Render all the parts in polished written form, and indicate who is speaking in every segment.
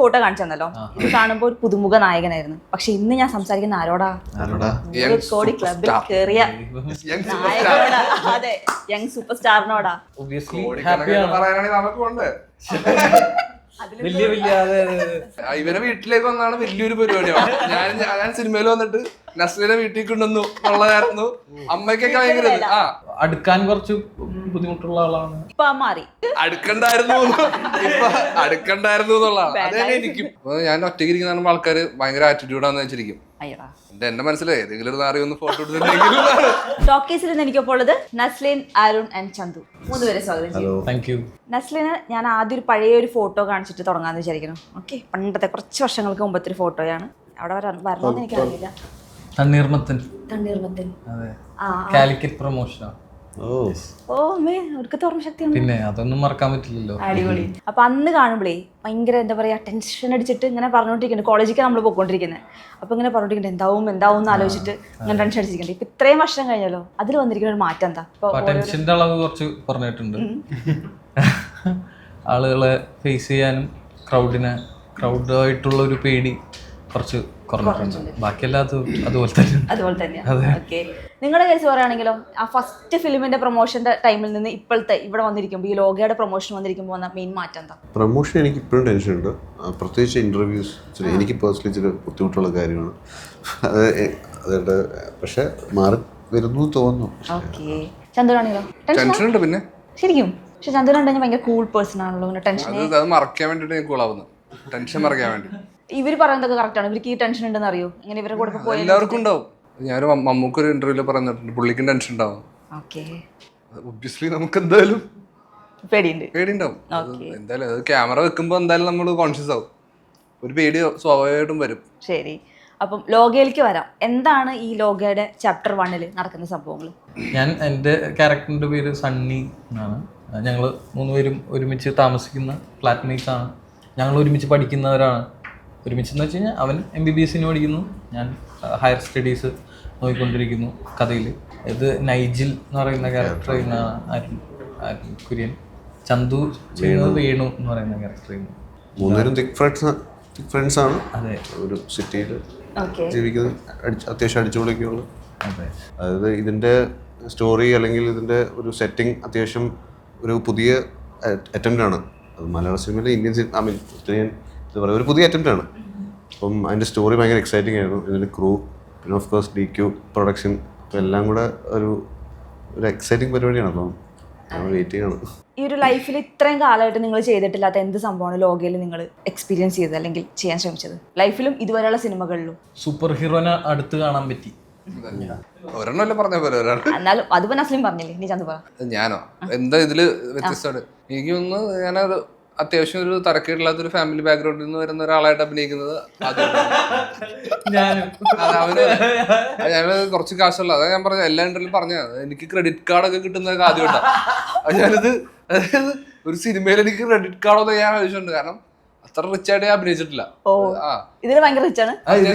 Speaker 1: Photo കാണിച്ചു തന്നല്ലോ. ഇത് കാണുമ്പോൾ ഒരു പുതുമുഖ നായകനായിരുന്നു. പക്ഷെ ഇന്ന് ഞാൻ സംസാരിക്കുന്ന ആരോടാ? 100 കോടി ക്ലബിൽ കേറിയ നായകനോടാ. അതെ, യങ് സൂപ്പർ സ്റ്റാറിനോടാ.
Speaker 2: ഇവരെ വീട്ടിലേക്ക് വന്നാണ് വലിയൊരു പരിപാടിയാണ്. ഞാൻ സിനിമയിൽ വന്നിട്ട് നസ്ലിനെ വീട്ടിൽ കൊണ്ടുവന്നു എന്നുള്ളതായിരുന്നു. അമ്മയ്ക്കൊക്കെ ഭയങ്കര
Speaker 3: അടുക്കാൻ കുറച്ച് ബുദ്ധിമുട്ടുള്ള ആളാണ്.
Speaker 1: ഇപ്പൊ മാറി
Speaker 2: അടുക്കണ്ടായിരുന്നു എന്നുള്ളതാണ്. അത് തന്നെ എനിക്കും. ഞാൻ ഒറ്റയ്ക്ക് ഇരിക്കുന്ന ആൾക്കാര് ഭയങ്കര ആറ്റിറ്റ്യൂഡാന്ന് വെച്ചിരിക്കും. എന്റെ മനസ്സിലായി ഏതെങ്കിലും ഒരു നാറി ഒന്ന് ഫോട്ടോ എടുത്തിട്ടുണ്ടെങ്കിൽ.
Speaker 1: ടോക്കീസിൽ നിന്ന് എനിക്കൊപ്പം ഉള്ളത് നസ്ലിൻ, അരുൺ ആൻഡ് ചന്തു. 3 പേരെ സ്വാഗതം ചെയ്യും.
Speaker 3: Thank you.
Speaker 1: നസ്ലിന് ഞാൻ ആദ്യം ഒരു പഴയ ഒരു ഫോട്ടോ കാണിച്ചിട്ട് തുടങ്ങാന്ന് വിചാരിക്കണം. ഓക്കെ, പണ്ടത്തെ കുറച്ച് വർഷങ്ങൾക്ക് മുമ്പത്തെ ഒരു ഫോട്ടോയാണ്. അവിടെ വരണമെന്ന് എനിക്കറിയില്ല.
Speaker 3: തണ്ണീർമത്തൻ. അതെ, കാലിക്കറ്റ് പ്രൊമോഷനാണ്.
Speaker 1: ഓ മേ, അവർക്ക് ഓർമ്മ ശക്തിയാണ്.
Speaker 3: പിന്നെ അതൊന്നും മറക്കാൻ പറ്റില്ലല്ലോ.
Speaker 1: അടിപൊളി. അപ്പൊ അന്ന് കാണുമ്പോഴേ ഭയങ്കര എന്താ പറയാ, ടെൻഷൻ അടിച്ചിട്ട് ഇങ്ങനെ പറഞ്ഞോണ്ടിരിക്കുന്നത്. കോളേജിലേക്ക് നമ്മൾ പോയിക്കൊണ്ടിരിക്കുന്നത്. അപ്പൊ ഇങ്ങനെ പറഞ്ഞോണ്ടിരിക്കുന്നത് എന്താവും എന്ന് ആലോചിച്ചിട്ട് ഇങ്ങനെ ടെൻഷൻ അടിച്ചിരിക്കുന്നത്. ഇപ്പൊ ഇത്രയും വർഷം കഴിഞ്ഞല്ലോ, അതിൽ വന്നിരിക്കുന്ന ഒരു മാറ്റം എന്താ?
Speaker 3: ടെൻഷന്റെ അളവ് കുറച്ച് പറഞ്ഞിട്ടുണ്ട്. ആളുകളെ ഫേസ് ചെയ്യാനും ക്രൗഡായിട്ടുള്ള ഒരു പേടി കുറച്ച് കുറഞ്ഞിട്ടുണ്ട്. ബാക്കിയെല്ലാം അതുപോലെ തന്നെ.
Speaker 1: ഓക്കെ, നിങ്ങളുടെ കേസ് പറയുകയാണെങ്കിലോ, ആ ഫസ്റ്റ് ഫിലിമിന്റെ പ്രൊമോഷന്റെ ടൈമിൽ നിന്ന് ഇപ്പോഴത്തെ ഇവിടെ വന്നിരിക്കുമ്പോൾ, ഈ ലോഗയുടെ പ്രൊമോഷൻ വന്നിരിക്കുമ്പോൾ വന്ന മെയിൻ മാറ്റം എന്താ?
Speaker 4: പ്രൊമോഷൻ എനിക്ക് ഇപ്പോഴും ടെൻഷൻ ഉണ്ട്. പ്രത്യേകിച്ച് ഇന്റർവ്യൂസ് എനിക്ക് പേഴ്സണലി ചില ബുദ്ധിമുട്ടുള്ള കാര്യമാണ്. അതുകൊണ്ട് പക്ഷെ മാറി വരുന്നു തോന്നുന്നു.
Speaker 1: ഓക്കെ, ചന്ദ്രനാണെങ്കിലോ?
Speaker 2: ടെൻഷൻ ഉണ്ട് പിന്നെ
Speaker 1: ശരിക്കും. പക്ഷെ ചന്ദ്രൻ ഭയങ്കര കൂൾ പേഴ്സൺ ആണല്ലോ. ടെൻഷൻ
Speaker 2: മറക്കാൻ വേണ്ടിട്ട് ഞാൻ കൂളാവുന്നു. ടെൻഷൻ മറക്കാൻ വേണ്ടി.
Speaker 1: ഇവര് പറയുന്നതൊക്കെ കറക്റ്റ് ആണ്. ഇവർക്ക് ഈ ടെൻഷൻ ഉണ്ടെന്ന് അറിയോ? ഇങ്ങനെ ഇവരുടെ കൂടെ പോയി
Speaker 2: എല്ലാവർക്കും ഉണ്ടാവും. ഞാൻ മമ്മൂക്കൊരു ഇന്റർവ്യൂല് പറഞ്ഞിട്ടുണ്ട് പുള്ളിക്കും ടെൻഷൻ ഉണ്ടാവും. ഒബ്വിയസ്ലി നമുക്ക് എന്തായാലും പേടിയുണ്ടാവും. എന്തായാലും അത് ക്യാമറ വെക്കുമ്പോ എന്തായാലും നമ്മൾ കോൺഷ്യസ് ആവും. ഒരു പേടി സ്വാഭാവികമായിട്ടും വരും.
Speaker 1: ശരി, അപ്പം ലോഗയിലേക്ക് വരാം. എന്താണ് ഈ ലോഗയുടെ ചാപ്റ്റർ 1 നടക്കുന്ന സംഭവങ്ങൾ?
Speaker 3: ഞാൻ എൻ്റെ ക്യാരക്ടറിൻ്റെ പേര് സണ്ണി എന്നാണ്. ഞങ്ങൾ 3 പേരും ഒരുമിച്ച് താമസിക്കുന്ന ഫ്ലാറ്റ്മേറ്റ്സ് ആണ്. ഞങ്ങൾ ഒരുമിച്ച് പഠിക്കുന്നവരാണ്. ഒരുമിച്ചെന്ന് വെച്ച് കഴിഞ്ഞാൽ അവൻ MBBS പഠിക്കുന്നു, ഞാൻ ഹയർ സ്റ്റഡീസ് നോക്കിക്കൊണ്ടിരിക്കുന്നു. കഥയിൽ ഇത് നൈജിൽ എന്ന് പറയുന്ന ക്യാരക്ടർ ചെയ്യുന്നതാണ് അരുൺ കുര്യൻ. ചന്തു ചെയ്യുന്നത് വേണു എന്ന് പറയുന്ന ക്യാരക്ടർ ചെയ്യുന്നു.
Speaker 4: 3 പേരും തിക് ഫ്രണ്ട്സ് ആണ്.
Speaker 3: അതെ,
Speaker 4: ഒരു സിറ്റിയിൽ ജീവിക്കുന്നത്, അത്യാവശ്യം അടിച്ചുപൊളിക്കുള്ള.
Speaker 3: അതെ, അതായത്
Speaker 4: ഇതിൻ്റെ സ്റ്റോറി അല്ലെങ്കിൽ ഇതിൻ്റെ ഒരു സെറ്റിംഗ് അത്യാവശ്യം ഒരു പുതിയ അറ്റംപ്റ്റ് ആണ്. അത് മലയാള സിനിമയിലെ ഇന്ത്യൻ ഉത്തരേന്ത്യൻ എന്താ പറയുക, ഒരു പുതിയ അറ്റംപ്റ്റ് ആണ്. അപ്പം അതിൻ്റെ സ്റ്റോറി ഭയങ്കര എക്സൈറ്റിംഗ് ആയിരുന്നു. ഇതിൻ്റെ ക്രൂ, പിന്നെ ഓഫ് കോഴ്സ് DQ പ്രൊഡക്ഷൻ, അപ്പോൾ എല്ലാം കൂടെ ഒരു എക്സൈറ്റിംഗ് പരിപാടിയാണ്. അപ്പം നമ്മൾ വെയിറ്റ് ചെയ്യണം.
Speaker 1: ഈ ഒരു ലൈഫിൽ ഇത്രയും കാലമായിട്ട് നിങ്ങൾ ചെയ്തിട്ടില്ലാത്ത എന്ത് സംഭവമാണ് ലോകയിൽ നിങ്ങൾ എക്സ്പീരിയൻസ് ചെയ്തത് അല്ലെങ്കിൽ ചെയ്യാൻ ശ്രമിച്ചത്? ലൈഫിലും ഇതുവരെയുള്ള സിനിമകളിലും.
Speaker 3: സൂപ്പർ ഹീറോനെ അടുത്ത് കാണാൻ പറ്റി.
Speaker 2: ഒരെണ്ണല്ലേ പറഞ്ഞ പോലെ ഒരാൾ.
Speaker 1: എന്നാലും അതിപ്പോ നസ്ലിം പറഞ്ഞില്ലേ, നീ ചന്തു പറ.
Speaker 2: ഞാനോ എന്താ ഇതില് വ്യത്യസ്തമാണ്? എനിക്ക് തോന്നുന്നു ഞാനത് അത്യാവശ്യം ഒരു തരക്കേടില്ലാത്തൊരു ഫാമിലി ബാക്ക്ഗ്രൗണ്ടിൽ നിന്ന് വരുന്ന ഒരാളായിട്ട് അഭിനയിക്കുന്നത് ഞാന് കുറച്ച് കാശുള്ള. അതാ ഞാൻ പറഞ്ഞ എല്ലാ ഇന്റർവ്യൂലും പറഞ്ഞത്. എനിക്ക് ക്രെഡിറ്റ് കാർഡൊക്കെ കിട്ടുന്നതൊക്കെ ആദ്യമായിട്ടാണ്. ഞാനിത് അതായത് ഒരു സിനിമയിൽ എനിക്ക് ക്രെഡിറ്റ് കാർഡൊന്നും ഞാൻ ആവശ്യമുണ്ട്. കാരണം അത്ര റിച്ച് ആയിട്ട് ഞാൻ അഭിനയിച്ചിട്ടില്ല.
Speaker 1: ഇതിന് ഭയങ്കര റിച്ച് ആണ്.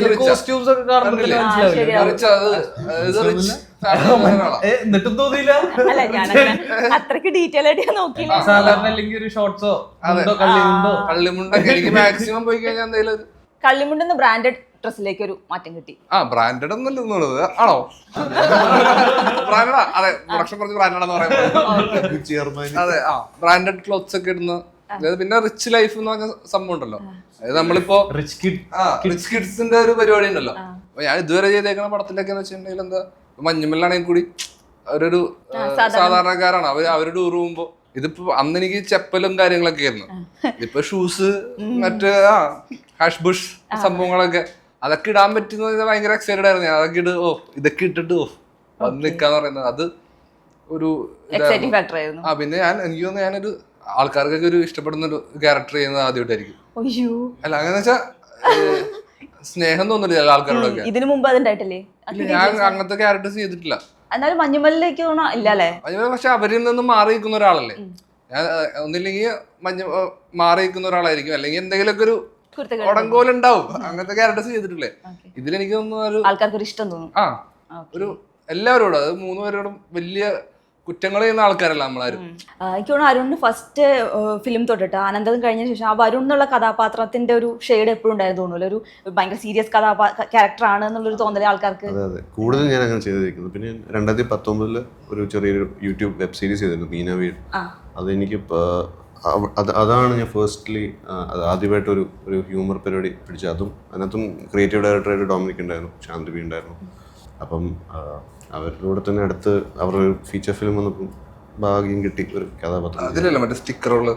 Speaker 3: എന്നിട്ടും തോന്നിയില്ല.
Speaker 1: അല്ല, ഞാൻ അത്രക്ക് ഡീറ്റെയിൽ ആയിട്ട് ഞാൻ നോക്കിയില്ല.
Speaker 3: സാധാരണ അല്ലെങ്കിൽ ഒരു ഷോർട്സോ
Speaker 2: കള്ളിമുണ്ടൊക്കെ എനിക്ക് മാക്സിമം പോയി കഴിഞ്ഞാൽ എന്തെങ്കിലും
Speaker 1: കള്ളിമുണ്ടെന്ന് ബ്രാൻഡഡ് ഡ്രസ്സിലേക്ക് ഒരു മാറ്റം കിട്ടി.
Speaker 2: ബ്രാൻഡഡ് ഒന്നല്ല ആണോ? ബ്രാൻഡാ? അതെ, പ്രൊഡക്ഷൻ കുറച്ച് ബ്രാൻഡാണെന്ന് പറയുന്നത്. അതെ, ബ്രാൻഡഡ് ക്ലോത്ത്സ് ഒക്കെ ഇടുന്ന. പിന്നെ റിച്ച് ലൈഫ് എന്ന് പറഞ്ഞ സംഭവം ഉണ്ടല്ലോ. അതായത് നമ്മളിപ്പോ റിച്ച് കിഡ്സിന്റെ ഒരു പരിപാടി ഉണ്ടല്ലോ. അപ്പൊ ഞാൻ ഇതുവരെ ചെയ്തേക്കുന്ന പടത്തിലൊക്കെ എന്ന് വെച്ചിട്ടുണ്ടെങ്കിൽ എന്താ, മഞ്ഞുമല്ലാണെങ്കിൽ കൂടി അവരൊരു സാധാരണക്കാരാണ്. അവര് ടൂർ പോകുമ്പോ ഇതിപ്പോ അന്ന് എനിക്ക് ചെപ്പലും കാര്യങ്ങളൊക്കെ ആയിരുന്നു. ഇതിപ്പോ ഷൂസ്, മറ്റേ ഹാഷ് ബുഷ് സംഭവങ്ങളൊക്കെ, അതൊക്കെ ഇടാൻ പറ്റുന്നത് ഭയങ്കര എക്സൈറ്റഡ് ആയിരുന്നു ഞാൻ. അതൊക്കെ ഇതൊക്കെ ഇട്ടിട്ട് വന്ന് നിക്കാന്ന് പറയുന്നത് അത് ഒരു പിന്നെ എനിക്ക് തോന്നുന്നു ഞാനൊരു ആൾക്കാർക്കൊക്കെ ഒരു ഇഷ്ടപ്പെടുന്ന ഒരു ക്യാരക്ടർ ചെയ്യുന്നത് ആദ്യമായിട്ടായിരിക്കും. അല്ല, അങ്ങനെ വെച്ചാ സ്നേഹം തോന്നില്ല ചില ആൾക്കാരോടൊക്കെ.
Speaker 1: ഇതിനു മുമ്പ് അതുണ്ടായിട്ടില്ലേ?
Speaker 2: ഞാൻ അങ്ങനത്തെ ക്യാരക്ടേഴ്സ് ചെയ്തിട്ടില്ല.
Speaker 1: എന്നാലും മഞ്ഞുമല്ലിലേക്ക് ഇല്ലല്ലേ?
Speaker 2: മഞ്ഞുമല്ല പക്ഷെ അവരിൽ നിന്ന് മാറി നിൽക്കുന്ന ഒരാളല്ലേ ഞാൻ. ഒന്നില്ലെങ്കിൽ മാറി നിൽക്കുന്ന ഒരാളായിരിക്കും, അല്ലെങ്കിൽ എന്തെങ്കിലുമൊക്കെ ഒരു ഉടങ്കോലുണ്ടാവും. അങ്ങനത്തെ ക്യാരക്ടേഴ്സ് ചെയ്തിട്ടില്ലേ? ഇതിലെനിക്ക് തോന്നുന്നു ഒരു
Speaker 1: ആൾക്കാർക്ക് ഒരു ഇഷ്ടം തോന്നും.
Speaker 2: ഒരു എല്ലാവരോടും, അത് 3 പേരോടും വലിയ കുറ്റങ്ങൾ ചെയ്യുന്ന ആൾക്കാരല്ല നമ്മളാരും.
Speaker 1: എനിക്ക് തോന്നുന്നു അരുണിന് ഫസ്റ്റ് ഫിലിം തൊട്ടിട്ട് ആനന്ദം കഴിഞ്ഞ ശേഷം ആ വരുൺ എന്നുള്ള കഥാപാത്രത്തിന്റെ ഒരു ഷെയ്ഡ് എപ്പോഴും ഉണ്ടായിരുന്നു തോന്നുന്നു. ഒരു ഭയങ്കര സീരിയസ് ക്യാരക്ടറാണ് എന്നുള്ളൊരു തോന്നൽ ആൾക്കാർക്ക്.
Speaker 4: അതെ കൂടുതൽ ഞാൻ അങ്ങനെ ചെയ്തിരിക്കുന്നത്. പിന്നെ 2019 ഒരു ചെറിയൊരു യൂട്യൂബ് വെബ് സീരീസ് ചെയ്തിരുന്നു മീന വീട്. അതെനിക്ക് അതാണ് ഞാൻ ഫസ്റ്റ്ലി ആദ്യമായിട്ട് ഒരു ഹ്യൂമർ പരിപാടി പിടിച്ചത്. അതും അതിനകത്തും ക്രിയേറ്റീവ് ഡയറക്ടറായിട്ട് ഡൊമിനിക് ഉണ്ടായിരുന്നു, ശാന്തിബി ഉണ്ടായിരുന്നു. അപ്പം അവരുടെ തന്നെ അടുത്ത് അവരുടെ ഫീച്ചർ ഫിലിം വന്നപ്പം ഭാഗ്യം കിട്ടി ഒരു കഥാപാത്രം.
Speaker 2: അതിലല്ല മറ്റേ സ്റ്റിക്കറുകള്.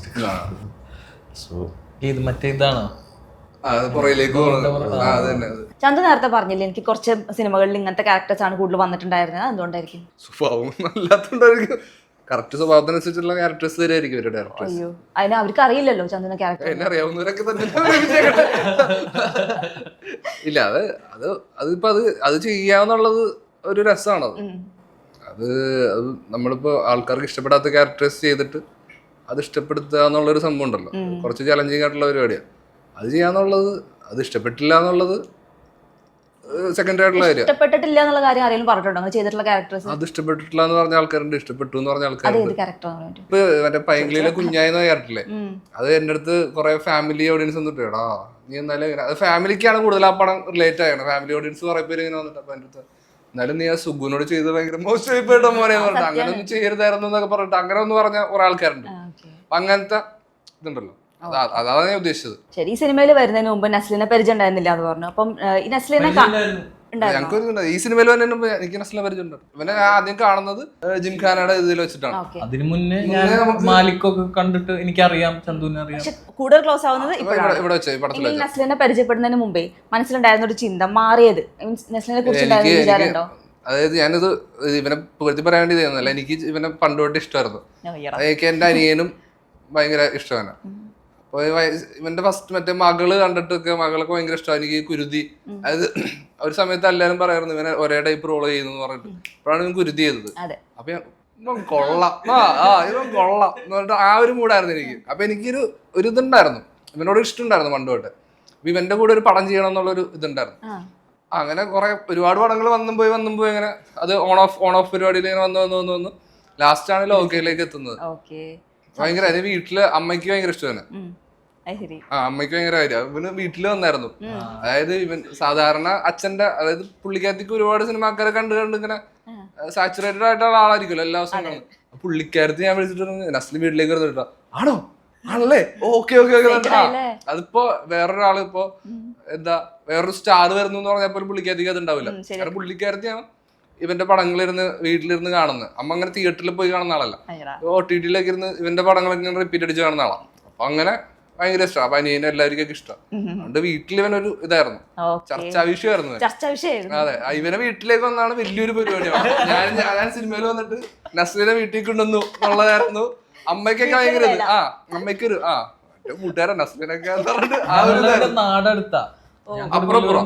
Speaker 4: സോ
Speaker 3: ഇത് മറ്റേ ഇതാണോ
Speaker 2: പുറയിലേക്ക്
Speaker 1: ചന്തു നേരത്തെ പറഞ്ഞില്ലേ എനിക്ക് കുറച്ച് സിനിമകളിൽ ഇങ്ങനത്തെ ക്യാരക്ടേഴ്സ് ആണ് കൂടുതൽ വന്നിട്ടുണ്ടായിരുന്നത്, എന്തുകൊണ്ടായിരിക്കും?
Speaker 2: സ്വഭാവം അല്ലാത്തോണ്ടായിരിക്കും. കറക്റ്റ് സ്വഭാവത്തിനനുസരിച്ചുള്ള ക്യാരക്ടേഴ്സ് തരായിരിക്കും ഇവരുടെ ഡയറക്ടേഴ്സ്.
Speaker 1: അയ്യോ അതിന് അവർക്ക് അറിയില്ലല്ലോ ചന്തുവിന്റെ ക്യാരക്ടർ.
Speaker 2: എന്നെ അറിയാവുന്നവരൊക്കെ തന്നെ ഇല്ല. അതിപ്പോ അത് ചെയ്യാന്നുള്ളത് ഒരു രസമാണത്. അത് നമ്മളിപ്പോ ആൾക്കാർക്ക് ഇഷ്ടപ്പെടാത്ത ക്യാരക്ടേഴ്സ് ചെയ്തിട്ട് അത് ഇഷ്ടപ്പെടുത്തുക എന്നുള്ളൊരു സംഭവം ഉണ്ടല്ലോ, കുറച്ച് ചലഞ്ചിങ് ആയിട്ടുള്ള പരിപാടിയാണ്. അത് ചെയ്യാന്നുള്ളത്, അത് ഇഷ്ടപ്പെട്ടില്ല എന്നുള്ളത് സെക്കൻഡറി ആയിട്ടുള്ള കാര്യം.
Speaker 1: ഇഷ്ടപ്പെട്ടിട്ടില്ല എന്നുള്ള കാര്യം ആരെങ്കിലും പറഞ്ഞിട്ടുണ്ടോ അങ്ങനെ ചെയ്തിട്ടുള്ള ക്യാരക്ടേഴ്സ്?
Speaker 2: അത് ഇഷ്ടപ്പെട്ടിട്ടില്ല എന്ന് പറഞ്ഞ ആൾക്കാരുണ്ട്, ഇഷ്ടപ്പെട്ടു എന്ന് പറഞ്ഞ ആൾക്കാരുണ്ട്.
Speaker 1: ക്യാരക്ടർ
Speaker 2: ഇപ്പൊ മറ്റേ പൈങ്കിളിയിലെ കുഞ്ഞായെന്ന ക്യാരക്ടറില്ലേ, അത് എന്റെ അടുത്ത് കുറെ ഫാമിലി ഓഡിയൻസ് വന്നിട്ട് എടാ നീ എന്നാലും അത് ഫാമിലിക്കാണ് കൂടുതൽ ആ പടം റിലേറ്റ് ആയത്. ഫാമിലി ഓഡിയൻസ് കുറെ പേര് ഇങ്ങനെ വന്നിട്ട് അപ്പൊ എന്റെ അടുത്ത് എന്നാലും നീ ആ സുഗുനോട് ചെയ്ത് ഭയങ്കര മോശമായി പോയിട്ടോ മോനെ പറഞ്ഞിട്ട് അങ്ങനെ ഒന്നും ചെയ്യരുതായിരുന്നു എന്നൊക്കെ പറഞ്ഞിട്ട് അങ്ങനെ ഒന്ന് പറഞ്ഞ കുറെ ആൾക്കാരുണ്ട്. അപ്പൊ അങ്ങനത്തെ ഇതുണ്ടല്ലോ, അതാണ് ഞാൻ ഉദ്ദേശിച്ചത്.
Speaker 1: ശരി, ഈ സിനിമയിൽ വരുന്നതിന് മുമ്പ് നസ്ലിനെ പരിചയം ഉണ്ടായിരുന്നില്ല എന്ന് പറഞ്ഞു. അപ്പം ഈ നസ്ലിനെ
Speaker 2: ഞങ്ങൾക്ക് ഈ സിനിമയിൽ തന്നെ എനിക്ക് നസ്ലിനെ പരിചയമുണ്ട്. ഇവനെ ആദ്യം കാണുന്നത് ജിംഖാനയുടെ ഇതിൽ വെച്ചിട്ടാണ്.
Speaker 3: അതിനു മുന്നേ ഞാൻ മാലിക്കൊക്കെ കണ്ടിട്ട് എനിക്കറിയാം, ചന്തുവിനെ അറിയാം.
Speaker 1: കൂടുതൽ ക്ലോസ് ആവുന്നത്
Speaker 2: ഇവിടെ വെച്ച് പടത്തിൽ.
Speaker 1: നസ്ലിനെ പരിചയപ്പെടുന്നതിന് മുമ്പേ മനസ്സിലുണ്ടായിരുന്ന ഒരു ചിന്ത മാറിയത് നസ്ലിനെ കുറിച്ച് വിചാരമുണ്ടോ?
Speaker 2: അതായത് ഞാനിത് ഇവനെ പുകഴ്ത്തി പറയാൻ വേണ്ടി ചെയ്യുന്നല്ല, എനിക്ക് ഇവനെ പണ്ടുതൊട്ട് ഇഷ്ടമായിരുന്നു. എനിക്ക് എന്റെ അനിയനും ഭയങ്കര ഇഷ്ടമാണ്. അപ്പൊ ഇവന്റെ ഫസ്റ്റ് മറ്റേ മകള് കണ്ടിട്ടൊക്കെ മകളൊക്കെ ഭയങ്കര ഇഷ്ടമാണ്. എനിക്ക് കുരുതി, അതായത് ഒരു സമയത്ത് എല്ലാരും പറയായിരുന്നു ഇവനെ ഒരേ ടൈപ്പ് റോള് ചെയ്യുന്നു പറഞ്ഞിട്ട്. അപ്പോഴാണ് ഇവൻ കുരുതി ചെയ്തത്. അപ്പൊ ഞാൻ ഇവൻ കൊള്ളാം, ഇവൻ കൊള്ളാം എന്ന് പറഞ്ഞിട്ട് ആ ഒരു മൂടായിരുന്നു എനിക്ക്. അപ്പൊ എനിക്കൊരു ഇതുണ്ടായിരുന്നു, ഇവനോട് ഇഷ്ടമുണ്ടായിരുന്നു പണ്ട് തൊട്ട്. അപ്പൊ ഇവന്റെ കൂടെ ഒരു പടം ചെയ്യണം എന്നുള്ളൊരു ഇതുണ്ടായിരുന്നു. അങ്ങനെ ഒരുപാട് പടങ്ങൾ വന്നും പോയി അങ്ങനെ അത് ഓൺ ഓഫ് പരിപാടിയിൽ ഇങ്ങനെ വന്നു ലാസ്റ്റ് ആണ് ലോകയിലേക്ക് എത്തുന്നത്. ഭയങ്കര അതിന് വീട്ടില് അമ്മയ്ക്ക് ഭയങ്കര ഇഷ്ടമാണ്. അമ്മയ്ക്ക് ഭയങ്കര കാര്യം. ഇവന് വീട്ടില് വന്നായിരുന്നു. അതായത് ഇവൻ സാധാരണ അച്ഛന്റെ, അതായത് പുള്ളിക്കാരത്തിക്ക് ഒരുപാട് സിനിമാക്കാരെ കണ്ട് ഇങ്ങനെ സാച്ചുറേറ്റഡ് ആയിട്ടുള്ള ആളായിരിക്കുമല്ലോ എല്ലാ ദിവസവും. പുള്ളിക്കാരത്തി ഞാൻ വിളിച്ചിട്ട് നസ്ലി വീട്ടിലേക്ക് വരുന്നിട്ടോ ആണോ ആണല്ലേ ഓക്കെ അതിപ്പോ വേറൊരാള് ഇപ്പൊ എന്താ വേറൊരു സ്റ്റാർ വരുന്നു എന്ന് പറഞ്ഞാൽ പുള്ളിക്കാരത്തിക്ക് അത് ഉണ്ടാവില്ല. കാരണം പുള്ളിക്കാരത്തിയാണ് ഇവന്റെ പടങ്ങളിരുന്ന് വീട്ടിലിരുന്ന് കാണുന്നത്. അമ്മ അങ്ങനെ തിയേറ്ററിൽ പോയി കാണുന്ന ആളല്ല, OTT-യിലൊക്കെ ഇരുന്ന് ഇവന്റെ പടങ്ങളൊക്കെ റിപ്പീറ്റ് അടിച്ച് കാണുന്ന ആളാണ്. അപ്പൊ അങ്ങനെ ഭയങ്കര ഇഷ്ടമാണ്. അപ്പൊ അനിയനെ എല്ലാവർക്കും ഇഷ്ടം. അതുകൊണ്ട് വീട്ടിൽ ഇവനൊരു ഇതായിരുന്നു, ചർച്ചാ വിഷയമായിരുന്നു. അതെ, ഇവനെ വീട്ടിലേക്ക് വന്നാണ് വലിയൊരു പരിപാടിയാണ്. ഞാൻ സിനിമയിൽ വന്നിട്ട് നസ്ലിനെ വീട്ടിൽ കൊണ്ടുവന്നു എന്നുള്ളതായിരുന്നു. അമ്മയ്ക്കൊക്കെ ഭയങ്കര അമ്മയ്ക്കൊരു കൂട്ടുകാരൻ നസ്ലിനൊക്കെ
Speaker 3: നാടടുത്താ
Speaker 2: അപ്പുറം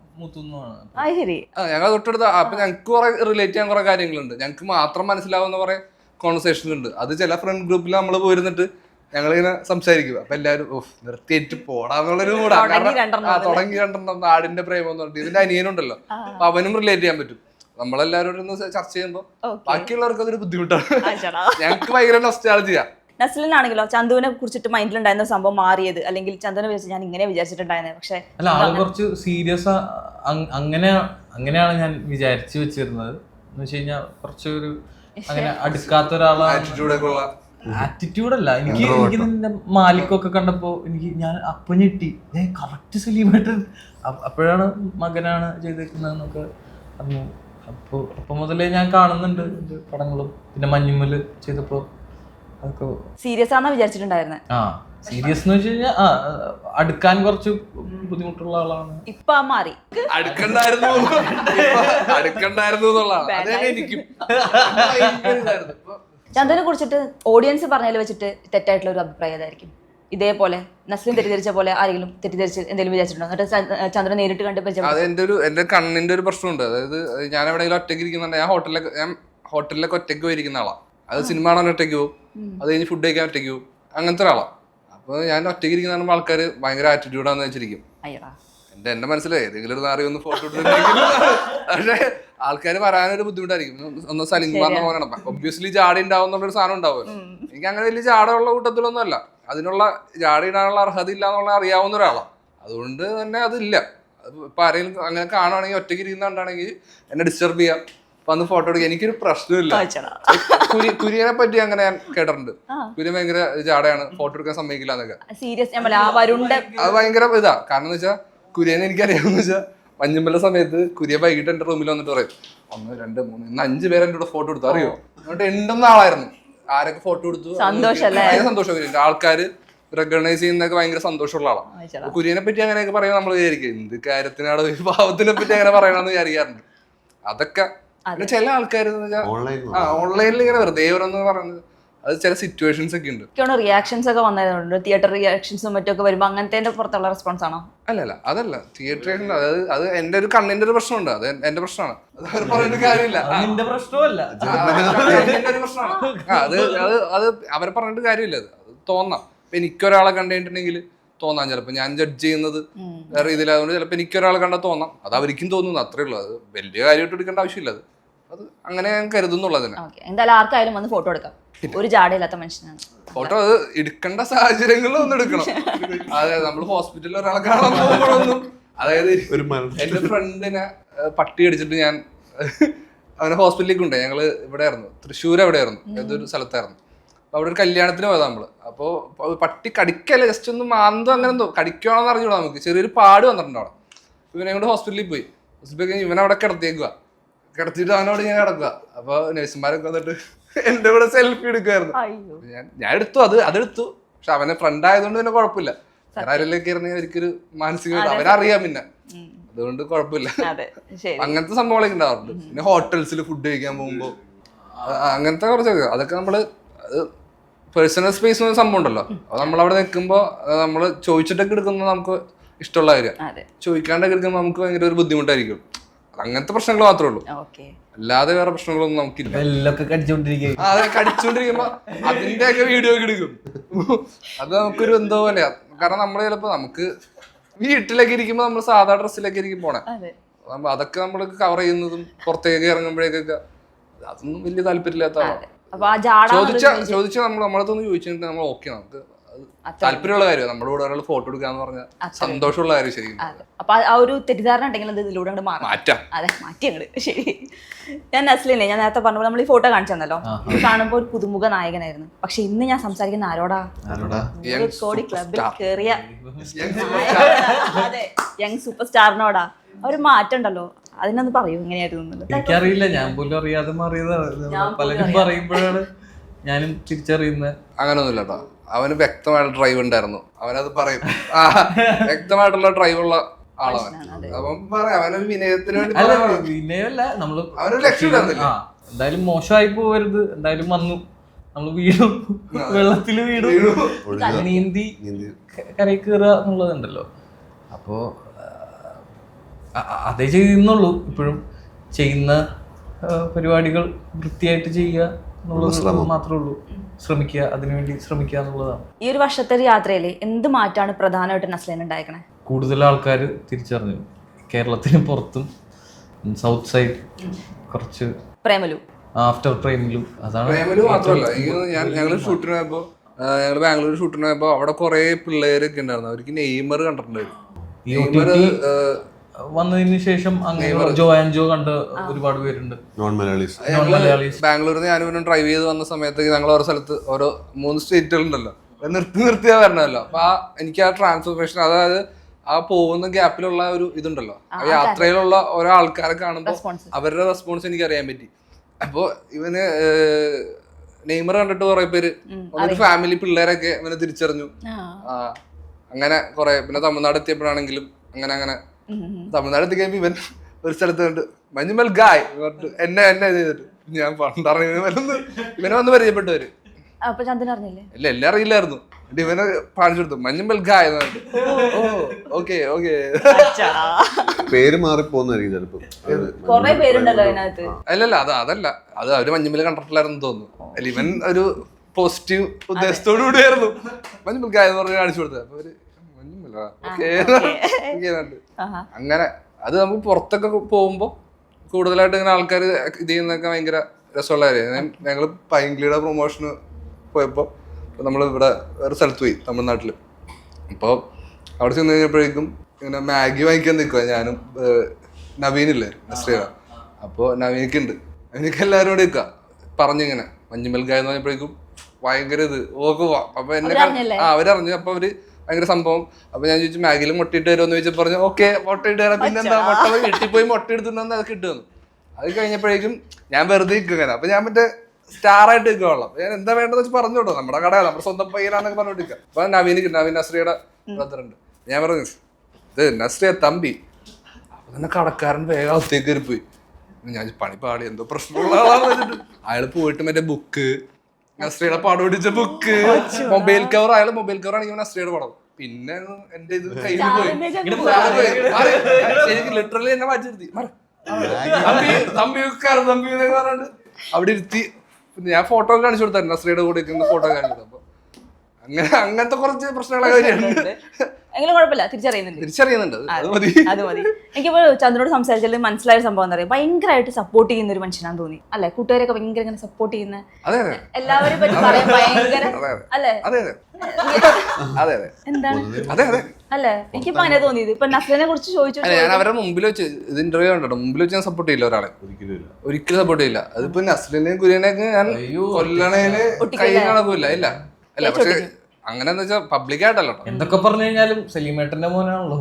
Speaker 2: ഞങ്ങൾ തൊട്ടടുത്ത. അപ്പൊ ഞങ്ങൾക്ക് കുറെ റിലേറ്റ് ചെയ്യാൻ കുറെ കാര്യങ്ങളുണ്ട്. ഞങ്ങൾക്ക് മാത്രം മനസ്സിലാവുന്ന കുറെ കോൺവെർസേഷൻ ഉണ്ട്. അത് ചില ഫ്രണ്ട് ഗ്രൂപ്പിൽ നമ്മൾ പോയിരുന്നിട്ട് ഞങ്ങളിങ്ങനെ സംസാരിക്കും. അപ്പൊ എല്ലാവരും നിർത്തിയിട്ട് പോടാന്നുള്ളൊരു കൂടാ. തുടങ്ങി രണ്ടെണ്ണം നാടിന്റെ പ്രേമം എന്ന് പറഞ്ഞിട്ട്. ഇതിന്റെ അനിയനുണ്ടല്ലോ, അപ്പൊ അവനും റിലേറ്റ് ചെയ്യാൻ പറ്റും. നമ്മളെല്ലാവരോടും ചർച്ച ചെയ്യുമ്പോ ബാക്കിയുള്ളവർക്ക് അതൊരു ബുദ്ധിമുട്ടാണ്. ഞങ്ങൾക്ക് ഭയങ്കര നൊസ്റ്റാൾജിയാ.
Speaker 1: നസ്ലിനാണെങ്കിലോ ചന്തുവിനെ കുറിച്ചിട്ട് മൈൻഡിലുണ്ടായിരുന്ന സംഭവം മാറിയത്, അല്ലെങ്കിൽ ചന്തുവിനെ വിളിച്ച് ഞാൻ ഇങ്ങനെ വിചാരിച്ചിട്ടുണ്ടായിരുന്നത്, പക്ഷെ
Speaker 3: അല്ല ആള് കുറച്ച് സീരിയസ് അങ്ങനെയാണ് ഞാൻ വിചാരിച്ചു വെച്ചിരുന്നത്. എന്ന് വെച്ച് കഴിഞ്ഞാൽ കുറച്ചൊരു അങ്ങനെ അടുക്കാത്ത ഒരാളാണ്. ആറ്റിറ്റ്യൂഡല്ല, എനിക്ക് നിന്റെ മാലിക്കൊക്കെ കണ്ടപ്പോ ഞാൻ അപ്പൊ ഞെട്ടി. കറക്റ്റ് സെലിബ്രേറ്റഡ്, അപ്പോഴാണ് മകനാണ് ചെയ്തേക്കുന്നതെന്നൊക്കെ അറിഞ്ഞു. അപ്പൊ മുതലേ ഞാൻ കാണുന്നുണ്ട് പടങ്ങളും. പിന്നെ മഞ്ഞുമ്മല് ചെയ്തപ്പോ അതൊക്കെ
Speaker 1: സീരിയസ് ആണെന്ന് വിചാരിച്ചിട്ടുണ്ടായിരുന്നത്.
Speaker 3: സീരിയസ് എന്ന് വെച്ച് കഴിഞ്ഞാൽ അടുക്കാൻ കുറച്ച് ബുദ്ധിമുട്ടുള്ള ആളാണ്.
Speaker 1: ഇപ്പൊ മാറി
Speaker 2: അടുക്കണ്ടായിരുന്നു
Speaker 1: ചന്ദനെ കുറിച്ചിട്ട് ഓഡിയൻസ് പറഞ്ഞതിൽ വെച്ചിട്ട് തെറ്റായിട്ടുള്ള ഒരു അഭിപ്രായം ഏതായിരിക്കും? ഇതേപോലെ നസ്ലിൻ തെറ്റിദ്ധരിച്ച പോലെ ആരെങ്കിലും തെറ്റിദ്ധരിച്ച് എന്തെങ്കിലും വിചാരിച്ചിട്ടുണ്ടോ? എന്നിട്ട് ചന്ദ്രനെ നേരിട്ട് കണ്ട്
Speaker 2: അത് എന്റെ കണ്ണിന്റെ ഒരു പ്രശ്നമുണ്ട്. അതായത് ഞാൻ എവിടെയെങ്കിലും ഒറ്റയ്ക്ക് ഇരിക്കുന്നുണ്ട്, ഞാൻ ഹോട്ടലിലൊക്കെ ഒറ്റയ്ക്ക് പോയിരിക്കുന്ന ആളാണ്. അത് സിനിമ കാണാൻ ഒറ്റയ്ക്ക് പോകും, അത് കഴിഞ്ഞ് ഫുഡ് കഴിക്കാൻ ഒറ്റയ്ക്ക് പോകും, അങ്ങനത്തെ ഒരാളാണ്. അപ്പൊ ഞാൻ ഒറ്റയ്ക്ക് ഇരിക്കുന്ന ആൾക്കാർ ഭയങ്കര ആറ്റിറ്റ്യൂഡാന്ന് വെച്ചിരിക്കും. എന്റെ മനസ്സിലായി ഏതെങ്കിലും ഒരു നാറി ഒന്ന് ഫോട്ടോ ഇട്ടിട്ടുണ്ടെങ്കിൽ. പക്ഷെ ആൾക്കാർ പറയാനൊരു ബുദ്ധിമുട്ടായിരിക്കും. ഒന്ന് സലിംഗാന്ന് പറയണം, ഒബ്വിയസ്ലി ജാട ഉണ്ടാവും എന്നുള്ളൊരു സാധനം ഉണ്ടാവുമല്ലോ. എനിക്ക് അങ്ങനെ വലിയ ജാടയുള്ള കൂട്ടത്തിലൊന്നും അല്ല. അതിനുള്ള ജാട ഇടാനുള്ള അർഹത ഇല്ല എന്നുള്ള അറിയാവുന്ന ഒരാളാണ്. അതുകൊണ്ട് തന്നെ അതില്ല. ഇപ്പൊ ആരെങ്കിലും അങ്ങനെ കാണുവാണെങ്കിൽ ഒറ്റയ്ക്ക് ഇരിക്കുന്നുണ്ടാണെങ്കിൽ എന്നെ ഡിസ്റ്റർബ് ചെയ്യാം, വന്ന് ഫോട്ടോ എടുക്കുക, എനിക്കൊരു പ്രശ്നമില്ല. കുര്യനെ പറ്റി അങ്ങനെ ഞാൻ കേട്ടിട്ടുണ്ട്. കുര്യൻ ഭയങ്കര ജാടയാണ്, ഫോട്ടോ എടുക്കാൻ സമ്മതിക്കില്ല എന്നൊക്കെ. അത് ഭയങ്കര ഇതാ. കാരണം എന്ന് വെച്ചാൽ കുര്യനെ എനിക്കറിയാമെന്ന് വെച്ചാൽ മഞ്ഞുമ്പല സമയത്ത് കുര്യ വൈകിട്ട് എന്റെ റൂമിൽ വന്നിട്ട് പറയും 1 2 3 ഇന്ന് 5 പേരെ എന്റെ കൂടെ ഫോട്ടോ എടുത്തു, അറിയോ? എന്നിട്ട് എണ്ണുന്ന ആളായിരുന്നു. ആരൊക്കെ ഫോട്ടോ എടുത്തു ഭയങ്കര സന്തോഷം. ആൾക്കാര് റെക്കഗ്നൈസ് ചെയ്യുന്നതൊക്കെ ഭയങ്കര സന്തോഷമുള്ള ആളാണ്. കുര്യനെ പറ്റി അങ്ങനെയൊക്കെ പറയുമ്പോൾ നമ്മൾ വിചാരിക്കും എന്ത് കാര്യത്തിനാണ് ഈ ഭാവത്തിനെ പറ്റി അങ്ങനെ പറയണമെന്ന് വിചാരിക്കാറുണ്ട്. അതൊക്കെ ചില ആൾക്കാർ ഓൺലൈനിൽ ഇങ്ങനെ വെറുതെ ഓരോന്ന് പറയുന്നത്, അത് ചില സിറ്റുവേഷൻസ് ഒക്കെ ഉണ്ട്.
Speaker 1: റിയാക്ഷൻസ് ഒക്കെ വന്നതുകൊണ്ട് തിയേറ്റർ റിയാക്ഷൻസും മറ്റൊക്കെ വരുമ്പോൾ അങ്ങനത്തെ പുറത്തുള്ള റെസ്പോൺസ് ആണോ?
Speaker 2: അതല്ല തിയേറ്റർ, അത് എന്റെ ഒരു കണ്ണിന്റെ ഒരു പ്രശ്നമുണ്ട്, അത് എന്റെ പ്രശ്നമാണ്. അത് പറഞ്ഞിട്ട് കാര്യമില്ല,
Speaker 3: നിന്റെ പ്രശ്നമല്ല,
Speaker 2: എന്റെ ഒരു പ്രശ്നമാണ്. അത് അവരെ പറഞ്ഞിട്ട് കാര്യമില്ല. അത് തോന്നാം. ഇപ്പൊ എനിക്കൊരാളെ കണ്ടിട്ടുണ്ടെങ്കിൽ തോന്നാം, ചിലപ്പോൾ ഞാൻ ജഡ്ജ് ചെയ്യുന്നത് വേറെ രീതിയിലായതുകൊണ്ട് ചിലപ്പോൾ എനിക്കൊരാളെ കണ്ടാൽ തോന്നാം, അത് അവർക്കും തോന്നുന്നു, അത്രേ ഉള്ളൂ. അത് വലിയ കാര്യമായിട്ട് എടുക്കേണ്ട ആവശ്യമില്ല. അത് അങ്ങനെ ഞാൻ കരുതുന്നുള്ളതിന്.
Speaker 1: എന്തായാലും ആർക്കായാലും വന്ന് ഫോട്ടോ എടുക്കാം, ഒരു ജാടയില്ലാത്ത മനുഷ്യനാണ്.
Speaker 2: ഫോട്ടോ അത് എടുക്കേണ്ട സാഹചര്യങ്ങളിൽ ഒന്ന് എടുക്കണം. അതായത് നമ്മൾ ഹോസ്പിറ്റലിൽ ഒരാളെ കാണാൻ പോകുമ്പോഴൊന്നും, അതായത് എന്റെ ഫ്രണ്ടിനെ പട്ടി അടിച്ചിട്ട് ഞാൻ അവനെ ഹോസ്പിറ്റലിലേക്ക് കൊണ്ടുപോയി. ഞങ്ങള് ഇവിടെ ആയിരുന്നു, തൃശ്ശൂർ എവിടെയായിരുന്നു, ഏതൊരു സ്ഥലത്തായിരുന്നു. അപ്പൊ അവിടെ ഒരു കല്യാണത്തിന് പോയതാ നമ്മള്. അപ്പൊ പട്ടി കടിക്കല്ല, ജസ്റ്റ് ഒന്ന് മാന്തോ അങ്ങനെ എന്തോ കടിക്കണോന്ന് അറിഞ്ഞൂടാ, നമുക്ക് ചെറിയൊരു പാട് വന്നിട്ടുണ്ട് അവിടെ. ഇവനെ കൊണ്ട് ഹോസ്പിറ്റലിൽ പോയി. ഇവനവിടെ കിടത്തിയേക്കുക, കിടത്തിയിട്ട് അവനോട് ഞാൻ കിടക്കുക. അപ്പൊ നഴ്സുമാരൊക്കെ വന്നിട്ട് എന്റെ കൂടെ സെൽഫി എടുക്കുമായിരുന്നു. ഞാൻ എടുത്തു, അതെടുത്തു. പക്ഷെ അവനെ ഫ്രണ്ട് ആയതുകൊണ്ട് പിന്നെ കുഴപ്പമില്ല. വേറെ ആരെല്ലാം കയറുന്ന എനിക്കൊരു മാനസികമായിട്ട് അവനറിയാം, പിന്നെ അതുകൊണ്ട് കുഴപ്പമില്ല. അങ്ങനത്തെ സംഭവങ്ങളൊക്കെ ഉണ്ടാവാറുണ്ട്. പിന്നെ ഹോട്ടൽസിൽ ഫുഡ് കഴിക്കാൻ പോകുമ്പോ അങ്ങനത്തെ കുറച്ചൊക്കെ, അതൊക്കെ നമ്മള് പേഴ്സണൽ സ്പേസ് എന്ന സംഭവം ഉണ്ടല്ലോ, അത് നമ്മളവിടെ നിൽക്കുമ്പോൾ നമ്മൾ ചോദിച്ചിട്ടൊക്കെ എടുക്കുന്നത് നമുക്ക് ഇഷ്ടമുള്ള കാര്യം. ചോദിക്കാണ്ടൊക്കെ എടുക്കുമ്പോൾ നമുക്ക് ഭയങ്കര ഒരു ബുദ്ധിമുട്ടായിരിക്കും. അങ്ങനത്തെ പ്രശ്നങ്ങൾ മാത്രമേ ഉള്ളൂ, അല്ലാതെ വേറെ പ്രശ്നങ്ങളൊന്നും നമുക്കില്ല. അതെ, കടിച്ചോണ്ടിരിക്കുമ്പോ അതിന്റെയൊക്കെ വീഡിയോ ഒക്കെ എടുക്കും. അത് നമുക്കൊരു എന്തോ പോലെയാ. കാരണം നമ്മള് ചിലപ്പോ നമുക്ക് വീട്ടിലൊക്കെ ഇരിക്കുമ്പോ നമ്മൾ സാധാ ഡ്രസ്സിലൊക്കെ ഇരിക്കും പോണേ, അതൊക്കെ നമ്മൾ കവർ ചെയ്യുന്നതും പുറത്തേക്ക് ഇറങ്ങുമ്പോഴേക്കൊക്കെ അതൊന്നും വലിയ താല്പര്യമില്ലാത്ത ആളാണ്. ചോദിച്ച നമ്മളടുത്തൊന്ന് ചോദിച്ചിട്ട് നമ്മൾ ഓക്കെ, നമുക്ക് താല്പര്യമുള്ള കാര്യം. നമ്മുടെ കൂടെ ഒരാൾ ഫോട്ടോ എടുക്കാന്ന് പറഞ്ഞാൽ സന്തോഷമുള്ള കാര്യം. ശരിക്കും
Speaker 1: അപ്പൊ ആ ഒരു തെറ്റിദ്ധാരണ ഉണ്ടെങ്കിൽ ഇതിലൂടെ മാറ്റാം. അതെ, മാറ്റി അങ്ങോട്ട്. ശരി, ഞാൻ നസ്ലിനെ ഞാൻ നേരത്തെ പറഞ്ഞപ്പോൾ നമ്മൾ ഈ ഫോട്ടോ കാണിച്ചു തന്നല്ലോ, കാണുമ്പോൾ ഒരു പുതുമുഖ നായകനായിരുന്നു. പക്ഷെ ഇന്ന് ഞാൻ സംസാരിക്കുന്ന ആരോടാ? കോടി ക്ലബിൽ കേറിയ അതെ യങ് സൂപ്പർ സ്റ്റാറിനോടാ. ഒരു മാറ്റം ഉണ്ടല്ലോ, അതിനൊന്ന് പറയൂ, എങ്ങനെയായിരുന്നു?
Speaker 3: എനിക്കറിയില്ല, ഞാൻ പോലും അറിയാതെ മാറിയതാണ്. പലരും പറയുമ്പോഴാണ് ഞാനും തിരിച്ചറിയുന്നത്.
Speaker 2: അങ്ങനൊന്നുമില്ല കേട്ടോ, അവന് വ്യക്തമായിട്ട് ഡ്രൈവ് ഉണ്ടായിരുന്നു. അവനത് പറയും, വ്യക്തമായിട്ടുള്ള ഡ്രൈവുള്ള ആളവൻ. അവൻ പറയാം, അവനൊരു വിനയത്തിന് വേണ്ടി
Speaker 3: വിനയമല്ല, നമ്മള്
Speaker 2: അവനൊരു ലക്ഷ്യം.
Speaker 3: എന്തായാലും മോശമായി പോവരുത്, എന്തായാലും വന്നു, നമ്മള് വീടും വെള്ളത്തില് വീടും നീന്തി കരയിൽ കയറുക എന്നുള്ളതുണ്ടല്ലോ. അപ്പോ അതേ ചെയ്യുന്നുള്ളൂ. ഇപ്പോഴും ചെയ്യുന്ന പരിപാടികൾ വൃത്തിയായിട്ട് ചെയ്യുക എന്നുള്ളത് മാത്രമേ ഉള്ളൂ. ശ്രമിക്കുക, അതിനുവേണ്ടി ശ്രമിക്കുക എന്നുള്ളതാണ്.
Speaker 1: ഈ ഒരു വർഷത്തെ യാത്രയിൽ എന്ത് മാറ്റാണ് പ്രധാനമായിട്ട് നസ്ലിൻ ഉണ്ടായിരിക്കണേ?
Speaker 3: കൂടുതൽ ആൾക്കാർ തിരിച്ചറിഞ്ഞു, കേരളത്തിന് പുറത്തും സൗത്ത് സൈഡ് കുറച്ച്
Speaker 1: പ്രേമലു,
Speaker 3: ആഫ്റ്റർ പ്രേമലു. അതാണ്
Speaker 2: പ്രേമലു മാത്രമല്ല, ഞങ്ങൾ ഷൂട്ടിന് പോയപ്പോ, ഞങ്ങൾ ബാംഗ്ലൂർ ഷൂട്ടിന് പോയപ്പോ അവിടെ കുറെ പിള്ളേരൊക്കെ ഉണ്ടായിരുന്നു. അവർക്ക് നെയ്മർ കണ്ടിട്ടുണ്ടായിരുന്നു.
Speaker 3: വന്നതിന് ശേഷം അങ്ങനെ ജോ ആൻഡ് ജോ കണ്ട് ഒരുപാട് പേരുണ്ട്, നോൺ മലയാളീസ്.
Speaker 2: ബാംഗ്ലൂരിൽ ഞാനും ഡ്രൈവ് ചെയ്ത് വന്ന സമയത്ത് ഞങ്ങൾ ഓരോ സ്ഥലത്ത് ഓരോ 3 സ്റ്റേറ്റുകളുണ്ടല്ലോ, നിർത്തിയാ വരണമല്ലോ. അപ്പൊ എനിക്ക് ആ ട്രാൻസ്ഫോർമേഷൻ, അതായത് ആ പോകുന്ന ഗ്യാപ്പിലുള്ള ഒരു ഇതുണ്ടല്ലോ, ആ യാത്രയിലുള്ള ഓരോ ആൾക്കാരെ കാണുമ്പോൾ അവരുടെ റെസ്പോൺസ് എനിക്ക് അറിയാൻ പറ്റി. അപ്പൊ ഇവന് നെയ്മർ കണ്ടിട്ട് കുറെ പേര്, ഒരു ഫാമിലി പിള്ളേരൊക്കെ ഇവനെ തിരിച്ചറിഞ്ഞു. അങ്ങനെ കുറെ, പിന്നെ തമിഴ്നാട് എത്തിയപ്പോഴാണെങ്കിലും അങ്ങനെ തമിഴ്നാട് എത്തിക്കഴിയുമ്പോ ഇവൻ ഒരു സ്ഥലത്ത് കണ്ട് മഞ്ഞുമൽ ഗായ് എന്നെ ചെയ്തിട്ട് ഞാൻ പണ്ടറിഞ്ഞ ഇവനെ വന്ന് പരിചയപ്പെട്ടവര്. ഇല്ല, എല്ലാം അറിയില്ലായിരുന്നു. ഇവനെ കാണിച്ചു കൊടുത്തു, മഞ്ഞുമൽ ഗായ്. ഓക്കെ
Speaker 4: പേര് മാറിപ്പോന്നായിരിക്കും ചിലപ്പോ.
Speaker 2: അല്ലല്ല, അതല്ല, അത് അവര് മഞ്ഞുമൽ കണ്ടിട്ടില്ലായിരുന്നു തോന്നുന്നു. അല്ല, ഇവൻ ഒരു പോസിറ്റീവ് ഉദ്ദേശത്തോടു കൂടിയായിരുന്നു മഞ്ഞുമൽ ഗായ് എന്ന് പറഞ്ഞ് കാണിച്ചു കൊടുത്തത്. അപ്പൊ അവര് അങ്ങനെ അത് നമുക്ക് പുറത്തൊക്കെ പോകുമ്പോ കൂടുതലായിട്ട് ഇങ്ങനെ ആൾക്കാർ ഇത് ചെയ്യുന്നതൊക്കെ ഭയങ്കര രസമുള്ള കാര്യമാണ്. ഞങ്ങൾ പൈങ്കിളിയുടെ പ്രൊമോഷന് പോയപ്പോൾ നമ്മൾ ഇവിടെ വേറെ സ്ഥലത്ത് പോയി തമിഴ്നാട്ടിൽ. അപ്പോൾ അവിടെ ചെന്ന് കഴിഞ്ഞപ്പോഴേക്കും ഇങ്ങനെ മാഗി വാങ്ങിക്കാൻ നിൽക്കുക ഞാനും നവീനില്ലേ നസ്രിയ. അപ്പോൾ നവീനിക്കുണ്ട്, നവീനിക്ക് എല്ലാവരും കൂടെ നിൽക്കുക പറഞ്ഞിങ്ങനെ മഞ്ഞുമൽ ഗായ എന്ന് പറഞ്ഞപ്പോഴേക്കും ഭയങ്കര ഇത് ഓക്കെ പോവാം. അപ്പൊ എന്നെ അവരറിഞ്ഞു. അപ്പൊ അവര് ഭയങ്കര സംഭവം. അപ്പൊ ഞാൻ ചോദിച്ചു മാഗിയിൽ മുട്ടയിട്ട് വരുമെന്ന് ചോദിച്ചു. പറഞ്ഞു ഓക്കെ മുട്ടയിട്ട് തരാം. പിന്നെന്താ മുട്ട വീട്ടിൽ പോയി മുട്ട എടുത്തിട്ടുണ്ടെന്ന് അത് കിട്ടുമെന്ന്. അത് കഴിഞ്ഞപ്പോഴേക്കും ഞാൻ വെറുതെ നിൽക്കുക. അപ്പൊ ഞാൻ മറ്റേ സ്റ്റാർ ആയിട്ട് നിൽക്കുകയുള്ളൂ. ഞാൻ എന്താ വേണ്ടത് വെച്ച് പറഞ്ഞു കേട്ടോ, നമ്മുടെ കടയാണ്, നമ്മുടെ സ്വന്തം പയ്യനാന്നൊക്കെ പറഞ്ഞോണ്ടിരിക്കുക. അപ്പൊ നവീൻ നസ്രിയുടെ ബ്രദറുണ്ട്. ഞാൻ പറഞ്ഞു ഇത് നസ്രിയ തമ്പി. അപ്പൊ തന്നെ കടക്കാരൻ വേഗം അകത്തേക്ക് കയറി പോയി. ഞാൻ പണി പാടി എന്തോ പ്രശ്നമുള്ള ആളാന്ന് വെച്ചിട്ട് അയാൾ പോയിട്ട് മറ്റേ ബുക്ക് നസ്രിയുടെ പടം പിടിച്ച ബുക്ക് മൊബൈൽ കവർ, അയാൾ മൊബൈൽ കവർ ആണെങ്കിൽ നസ്രിയുടെ പടം. പിന്നെ എന്റെ ഇത് കയ്യിൽ പോയി. ശരിക്കും ലിറ്ററലി എന്നെ മാറ്റി തമ്പി എന്നൊക്കെ പറഞ്ഞിട്ട് അവിടെ ഇരുത്തി. ഞാൻ ഫോട്ടോ കാണിച്ചു കൊടുത്തായിരുന്നു നസ്രിയുടെ കൂടെ ഫോട്ടോ കാണിച്ചു കൊടുത്തു. അപ്പൊ അങ്ങനത്തെ കുറച്ച് പ്രശ്നങ്ങളൊക്കെ
Speaker 1: എങ്കിലും കുഴപ്പമില്ല, തിരിച്ചറിയുന്നുണ്ട്. അത് മതി. എനിക്കിപ്പോ ചന്ദ്രനോട് സംസാരിച്ചാൽ മനസ്സിലായ സംഭവം എന്താ പറയുക, ഭയങ്കരമായിട്ട് സപ്പോർട്ട് ചെയ്യുന്ന ഒരു മനുഷ്യനാന്ന് തോന്നി അല്ലെ. കൂട്ടുകാരൊക്കെ ഭയങ്കര ഇങ്ങനെ സപ്പോർട്ട് ചെയ്യുന്ന എല്ലാവരും പറ്റി പറയാൻ ഭയങ്കര അല്ലേ. എന്താണ് അല്ലേ, എനിക്കിപ്പോ അങ്ങനെ തോന്നിയത്. ഇപ്പൊ നസ്ലിനെ കുറിച്ച് ചോദിച്ചു.
Speaker 2: ഞാൻ അവരുടെ മുമ്പിൽ വെച്ച് ഇത് ഇന്റർവ്യൂ ഉണ്ടോ, മുമ്പിൽ വെച്ച് ഞാൻ സപ്പോർട്ട് ചെയ്യില്ല ഒരാളെ, ഒരിക്കലും സപ്പോർട്ട് ചെയ്യില്ല. അതിപ്പോ നസ്ലിനെയും കുര്യനെയൊക്കെ ഞാൻ കൊല്ലണേല് കൈ കണക്കൂല്ല. ഇല്ല അല്ല, പക്ഷെ അങ്ങനെന്ന് വെച്ചാൽ പബ്ലിക് ആയിട്ടല്ലോ.
Speaker 3: എന്തൊക്കെ പറഞ്ഞു കഴിഞ്ഞാലും സലീമേട്ടന്റെ മോനാണല്ലോ.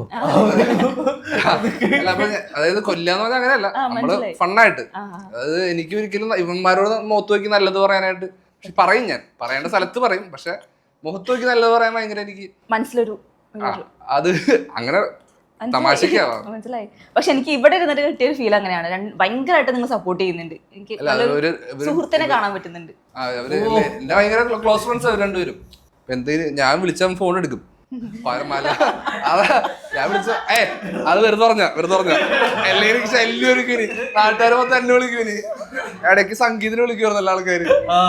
Speaker 2: അതായത് കൊല്ലാന്ന് പറഞ്ഞാൽ അങ്ങനെയല്ല, നമ്മള് ഫണ്ണായിട്ട്. അതായത് എനിക്ക് ഒരിക്കലും ഇവന്മാരോട് മുഖത്ത് നോക്കി നല്ലത് പറയാനായിട്ട് പറയും, ഞാൻ പറയേണ്ട സ്ഥലത്ത് പറയും. പക്ഷെ മുഖത്ത് നോക്കി നല്ലത് പറയാൻ ഭയങ്കര എനിക്ക് മനസ്സിലൊരു അത് അങ്ങനെ തമാശക്കാവാം.
Speaker 1: മനസ്സിലായി. പക്ഷെ എനിക്ക് ഇവിടെ ഇരുന്നിട്ട് കിട്ടിയൊരു ഫീൽ അങ്ങനെയാണ്, ഭയങ്കരമായിട്ട് നിങ്ങൾ സപ്പോർട്ട് ചെയ്യുന്നുണ്ട്. എനിക്ക് സുഹൃത്തിനെ കാണാൻ പറ്റുന്നുണ്ട്.
Speaker 2: എന്റെ ഭയങ്കര ക്ലോസ് ഫ്രണ്ട്സ് അവർ രണ്ടുപേരും. എന്തെങ്കിലും ഞാൻ വിളിച്ചാൽ ഫോൺ എടുക്കും. അതാ ഞാൻ വിളിച്ച അത് വെറുതെ പറഞ്ഞ എല്ലാവരും ശല്യം ഒരുക്കിനി, നാട്ടുകാർ മൊത്തം എന്നെ വിളിക്കുനി. ഇടയ്ക്ക് സംഗീതത്തിന് വിളിക്കുമായിരുന്നു എല്ലാ ആൾക്കാര്.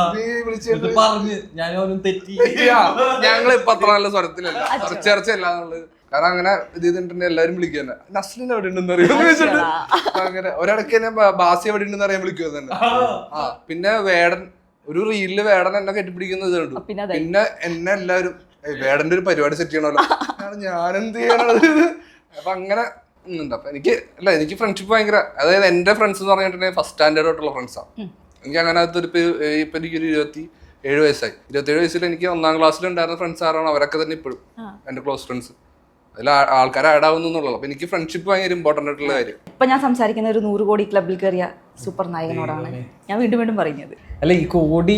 Speaker 2: ഞങ്ങളിപ്പൊ അത്ര നല്ല സ്വരത്തിലല്ല, ചർച്ചയല്ല എന്നുള്ളത്. കാരണം അങ്ങനെ ഇത് ചെയ്തിട്ടുണ്ടെങ്കിൽ എല്ലാവരും വിളിക്കുക തന്നെ നസ്ലിൻ എവിടെ ഉണ്ടെന്ന് അറിയാം. അങ്ങനെ ഒരിടയ്ക്ക് തന്നെ ബാസി എവിടെ ഉണ്ടെന്ന് അറിയാൻ വിളിക്കുക തന്നെ. പിന്നെ വേടൻ ഒരു റീലില് വേടൻ എന്നെ കെട്ടിപ്പിടിക്കുന്നത് കണ്ടു. പിന്നെ എന്നെ എല്ലാവരും വേടന്റെ ഒരു പരിപാടി സെറ്റ് ചെയ്യണമല്ലോ, ഞാനെന്ത് ചെയ്യണത്. അപ്പൊ അങ്ങനെ ഉണ്ട്. അപ്പൊ എനിക്ക് ഫ്രണ്ട്ഷിപ്പ് ഭയങ്കര, അതായത് എന്റെ ഫ്രണ്ട്സ് എന്ന് പറഞ്ഞിട്ടുണ്ടെങ്കിൽ ഫസ്റ്റ് സ്റ്റാൻഡേർഡ് ആയിട്ടുള്ള ഫ്രണ്ട്സാണ്. എനിക്ക് അങ്ങനെ ഇപ്പൊ എനിക്കൊരു 27 വയസ്സായി. 27 വയസ്സിൽ എനിക്ക് 1ാം ക്ലാസ്സിൽ ഉണ്ടായിരുന്ന ഫ്രണ്ട്സ് ആരാണ് അവരൊക്കെ തന്നെ ഇപ്പോഴും എന്റെ ക്ലോസ് ഫ്രണ്ട്സ്. അതിൽ ആൾക്കാർ ആഡ് ആവുന്നു എന്നുള്ളത്. അപ്പൊ എനിക്ക് ഫ്രണ്ട്ഷിപ്പ് ഭയങ്കര ഇമ്പോർട്ടന്റ് ആയിട്ടുള്ള കാര്യം.
Speaker 1: ഇപ്പൊ ഞാൻ സംസാരിക്കുന്ന ഒരു 100 കോടി ക്ലബിൽ കയറിയ സൂപ്പർ നായകനോടാണ് ഞാൻ വീണ്ടും പറയുന്നത്.
Speaker 3: അല്ല, ഈ കോടി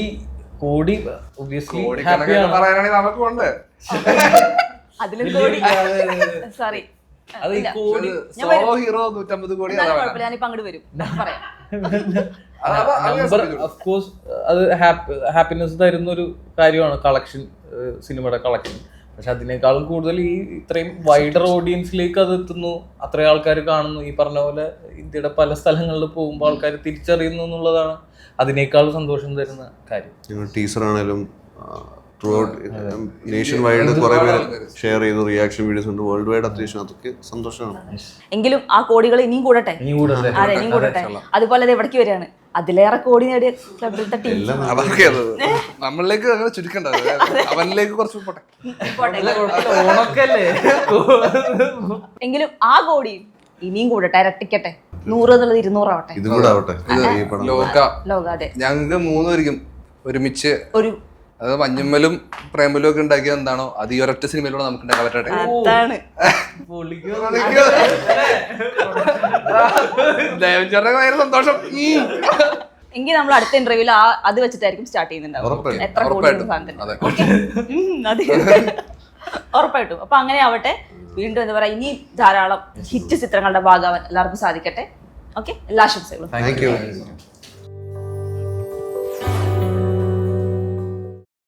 Speaker 2: പറയാനാണെങ്കിൽ നമുക്ക് ഉണ്ട്.
Speaker 1: അതിലും കോടി സോറി
Speaker 2: ഹീറോ 150 കോടി.
Speaker 1: ഞാനിപ്പോ അങ്ങോട്ട് വരും പറയാം.
Speaker 3: അത് ഹാപ്പിനെസ് തരുന്ന ഒരു കാര്യമാണ് കളക്ഷൻ, സിനിമയുടെ കളക്ഷൻ. പക്ഷെ അതിനേക്കാളും കൂടുതൽ ഈ ഇത്രയും വൈഡർ ഓഡിയൻസിലേക്ക് അത് എത്തുന്നു, അത്രയും ആൾക്കാർ കാണുന്നു. ഈ പറഞ്ഞ പോലെ ഇന്ത്യയുടെ പല സ്ഥലങ്ങളിൽ പോകുമ്പോൾ ആൾക്കാർ തിരിച്ചറിയുന്നു എന്നുള്ളതാണ് അതിനേക്കാൾ സന്തോഷം തരുന്ന കാര്യം.
Speaker 4: ടീസർ ആണെങ്കിലും നേഷൻ വൈഡ് കുറെ പേര് ഷെയർ ചെയ്തു, റിയാക്ഷൻ വീഡിയോസ് ഉണ്ട് വേൾഡ് വൈഡ്. അത്യാവശ്യം അതൊക്കെ സന്തോഷമാണ്.
Speaker 1: എങ്കിലും ആ കോടികൾ ഇനിയും കൂടട്ടെ. അതുപോലെ എവിടേക്ക് വരികയാണ് അതിലേറെ കോടി നേടിയ ക്ലബിലത്തെ ടീം.
Speaker 2: നമ്മളിലേക്ക് അങ്ങനെ ചുരുക്കണ്ട, അവനിലേക്ക് കുറച്ച് പോട്ടെ.
Speaker 1: എങ്കിലും ആ കോടി ഇനിയും കൂടട്ടെ, ഇരട്ടിക്കട്ടെ. 100 എന്നുള്ളത് 200 ആവട്ടെ. ലോക അതെ.
Speaker 2: ഞങ്ങൾക്ക് 3 പേർക്കും ഒരുമിച്ച് ഒരു അത് മഞ്ഞമ്മലും പ്രേമലും ഒക്കെ ഉണ്ടാക്കിയത് എന്താണോ അത് ഈ ഒരൊറ്റ സിനിമയിലൂടെ നമുക്ക് ഉണ്ടാക്കാൻ പറ്റട്ടെ. ഭയങ്കര സന്തോഷം.
Speaker 1: എങ്കിൽ നമ്മൾ അടുത്ത ഇന്റർവ്യൂവിൽ അത് വെച്ചിട്ടായിരിക്കും സ്റ്റാർട്ട് ചെയ്യുന്നുണ്ടാവും. എത്ര കോടി ഉറപ്പായിട്ടും. അപ്പൊ അങ്ങനെ ആവട്ടെ. വീണ്ടും എന്താ പറയാ, ഇനി ധാരാളം ഹിറ്റ് ചിത്രങ്ങളുടെ ഭാഗമാവാൻ എല്ലാവർക്കും സാധിക്കട്ടെ. ഓക്കെ, എല്ലാ ആശംസകളും.